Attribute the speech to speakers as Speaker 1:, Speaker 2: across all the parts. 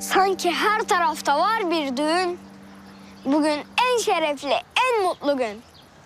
Speaker 1: Sanki her tarafta var bir düğün. Bugün en şerefli, en mutlu gün.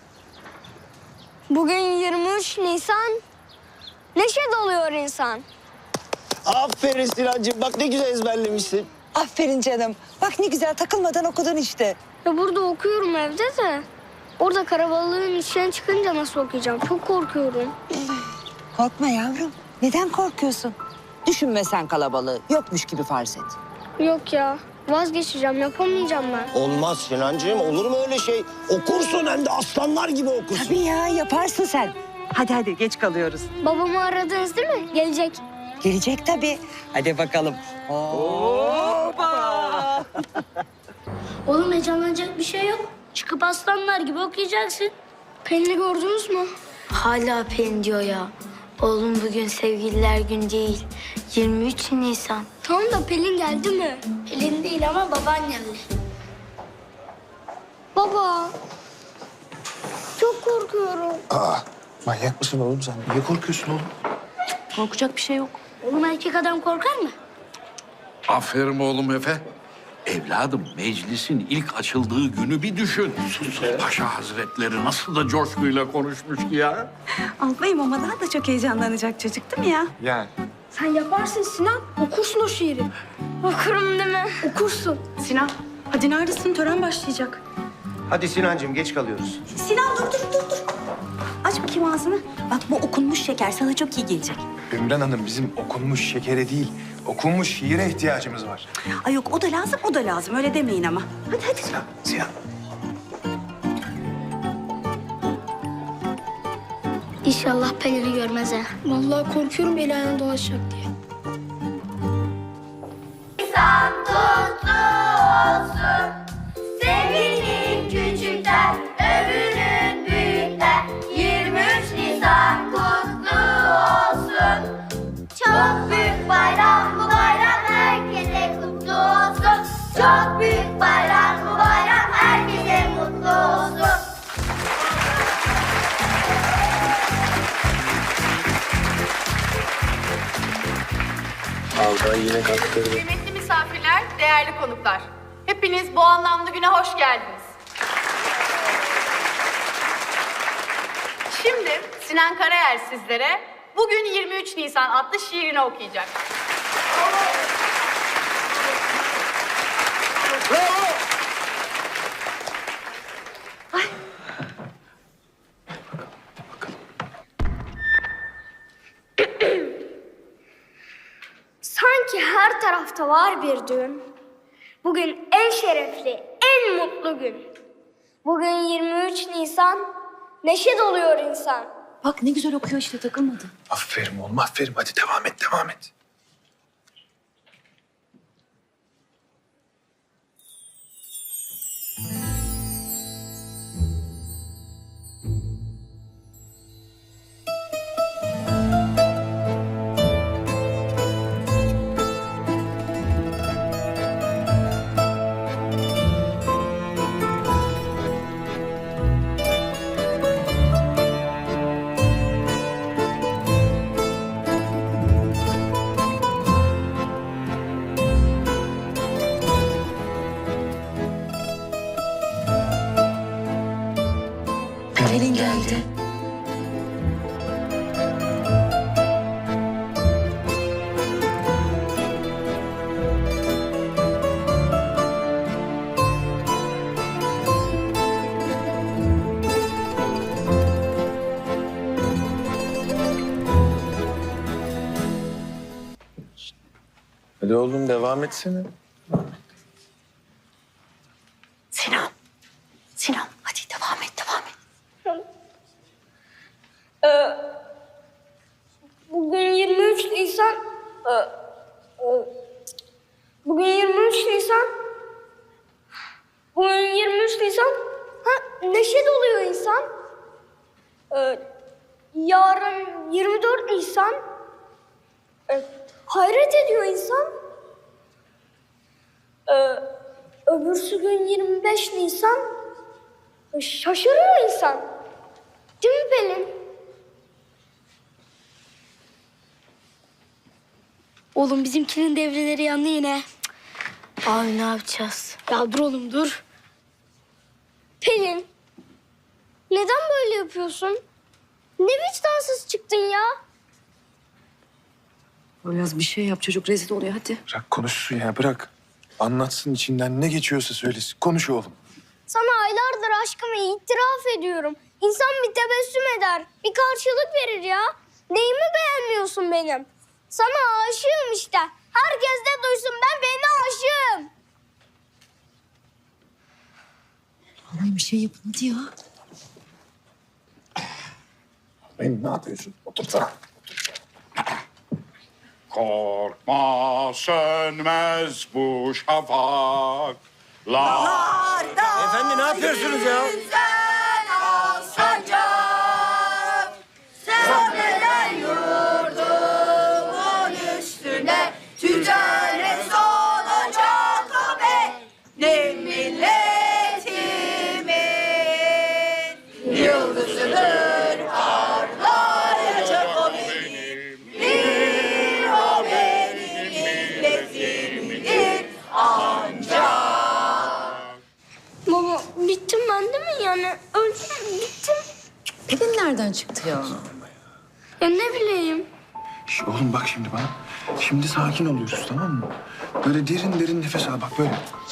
Speaker 1: Bugün 23 Nisan, neşe doluyor insan.
Speaker 2: Aferin Sinancığım. Bak ne güzel ezberlemişsin.
Speaker 3: Aferin canım. Bak ne güzel takılmadan okudun işte.
Speaker 1: Ya burada okuyorum evde de. Orada karabalığın içine çıkınca nasıl okuyacağım? Çok korkuyorum.
Speaker 3: Korkma yavrum. Neden korkuyorsun? Düşünme sen kalabalığı. Yokmuş gibi farz et.
Speaker 1: Yok ya, vazgeçeceğim, yapamayacağım ben.
Speaker 2: Olmaz Sinancığım. Olur mu öyle şey? Okursun hem de aslanlar gibi okursun.
Speaker 3: Tabii ya yaparsın sen. Hadi hadi geç kalıyoruz.
Speaker 1: Babamı aradınız değil mi? Gelecek.
Speaker 3: Gelecek tabii. Hadi bakalım. Hoppa!
Speaker 1: Oğlum heyecanlanacak bir şey yok. Çıkıp aslanlar gibi okuyacaksın. Pelin'i gördünüz mü?
Speaker 4: Hala Pelin diyor ya. Oğlum bugün sevgililer günü değil. 23 Nisan.
Speaker 1: Tamam da Pelin geldi mi?
Speaker 4: Pelin değil ama babaannemle.
Speaker 1: Baba. Çok korkuyorum.
Speaker 5: Aa, manyak mısın oğlum sen? Niye korkuyorsun oğlum?
Speaker 4: Korkacak bir şey yok.
Speaker 1: Oğlum erkek adam korkar mı?
Speaker 6: Aferin oğlum Efe. Evladım meclisin ilk açıldığı günü bir düşün. Paşa Hazretleri nasıl da coşkuyla konuşmuş ki ya.
Speaker 7: Albayım ama daha da çok heyecanlanacak çocuk değil mi ya?
Speaker 5: Yani.
Speaker 1: Sen yaparsın Sinan. Okursun o şiiri. Okurum değil mi? Okursun.
Speaker 7: Sinan, hadi neredesin? Tören başlayacak.
Speaker 2: Hadi Sinancığım geç kalıyoruz.
Speaker 7: Sinan dur. Aç bakayım ağzını. Bak bu okunmuş şeker sana çok iyi gelecek.
Speaker 5: Ümran Hanım bizim okunmuş şekere değil, okunmuş şiire ihtiyacımız var.
Speaker 7: Ay yok o da lazım. Öyle demeyin ama. Hadi.
Speaker 5: Sinan.
Speaker 1: İnşallah Pelin'i görmez ha. Vallahi korkuyorum el ayağına dolaşacak diye.
Speaker 8: Nisan kutlu olsun. Sevinin küçükler, övünün büyükler. 23 Nisan kutlu olsun. Çok büyük bayram bu bayram, herkese kutlu olsun. Çok büyük bayram bu bayram, herkese mutlu olsun.
Speaker 2: Aldan yine kaptırdı.
Speaker 9: Kıymetli misafirler, değerli konuklar. Hepiniz bu anlamlı güne hoş geldiniz. Şimdi Sinan Karayer sizlere bugün 23 Nisan adlı şiirini okuyacak.
Speaker 1: Sanki her tarafta var bir düğün. Bugün en şerefli, en mutlu gün. Bugün 23 Nisan, neşe doluyor insan.
Speaker 7: Bak ne güzel okuyor işte takılmadı.
Speaker 5: Aferin oğlum aferin. Hadi devam et.
Speaker 3: Pelin geldi.
Speaker 5: Hadi oğlum devam etsene.
Speaker 7: Sinan hadi devam et.
Speaker 1: Bugün 23 Nisan... Bugün 23 Nisan... Bugün 23 Nisan... neşe doluyor insan. Yarın 24 Nisan... hayret ediyor insan. Öbürsü gün 25 Nisan... şaşırıyor insan. Değil mi Pelin? Oğlum bizimkinin devreleri yandı yine.
Speaker 4: Abi ne yapacağız?
Speaker 1: Ya dur oğlum dur. Pelin. Neden böyle yapıyorsun? Ne vicdansız çıktın ya?
Speaker 7: Biraz bir şey yap çocuk rezil oluyor hadi.
Speaker 5: Bırak konuşsun ya bırak. Anlatsın içinden ne geçiyorsa söylesin. Konuş oğlum.
Speaker 1: Sana aylardır aşkımı itiraf ediyorum. İnsan bir tebessüm eder, bir karşılık verir ya. Neyimi beğenmiyorsun benim? Sana aşığım işte. Herkes de duysun ben aşığım.
Speaker 7: Vallahi bir şey yapın hadi ya.
Speaker 5: Benim ne yapıyorsun? Otursana.
Speaker 6: Korkma sönmez bu şafak.
Speaker 2: Efendi ne yapıyorsunuz ya?
Speaker 8: Ticaret olacak o be, ne milletimin yıldızıdır parlayacak o benim, bir o benim milletimindir ancak.
Speaker 1: Baba bittim ben değil mi yani? Öldüm bittim.
Speaker 7: Pelin nereden çıktı ya?
Speaker 1: Ya ne bileyim.
Speaker 5: Şş, oğlum bak şimdi bana. Şimdi sakin oluyoruz tamam mı? Böyle derin derin nefes al bak böyle.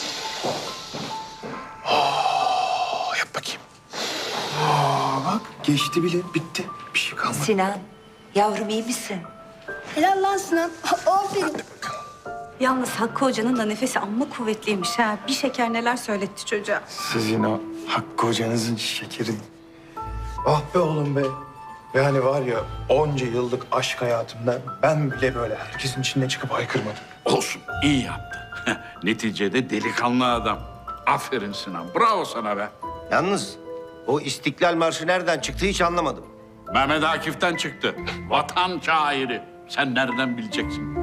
Speaker 5: Yap bakayım. Bak geçti bile bitti. Bir şey kalmadı.
Speaker 3: Sinan, yavrum iyi misin?
Speaker 1: Helal lan Sinan. Aferin.
Speaker 7: Yalnız Hakkı Hoca'nın da nefesi amma kuvvetliymiş ha. Bir şeker neler söyletti çocuğa.
Speaker 5: Sizin o Hakkı hocanızın şekerin. Ah be oğlum be. Yani var ya onca yıllık aşk hayatımda ben bile böyle herkesin içine çıkıp haykırmadım.
Speaker 6: Olsun, iyi yaptı. Neticede delikanlı adam. Aferin Sinan, bravo sana be.
Speaker 2: Yalnız o İstiklal Marşı nereden çıktı hiç anlamadım.
Speaker 6: Mehmet Akif'ten çıktı. Vatan şairi. Sen nereden bileceksin?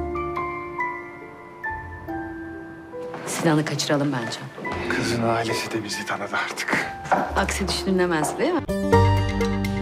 Speaker 7: Sinan'ı kaçıralım bence.
Speaker 5: Kızın ailesi de bizi tanıdı artık.
Speaker 7: Aksi düşünülemez değil mi?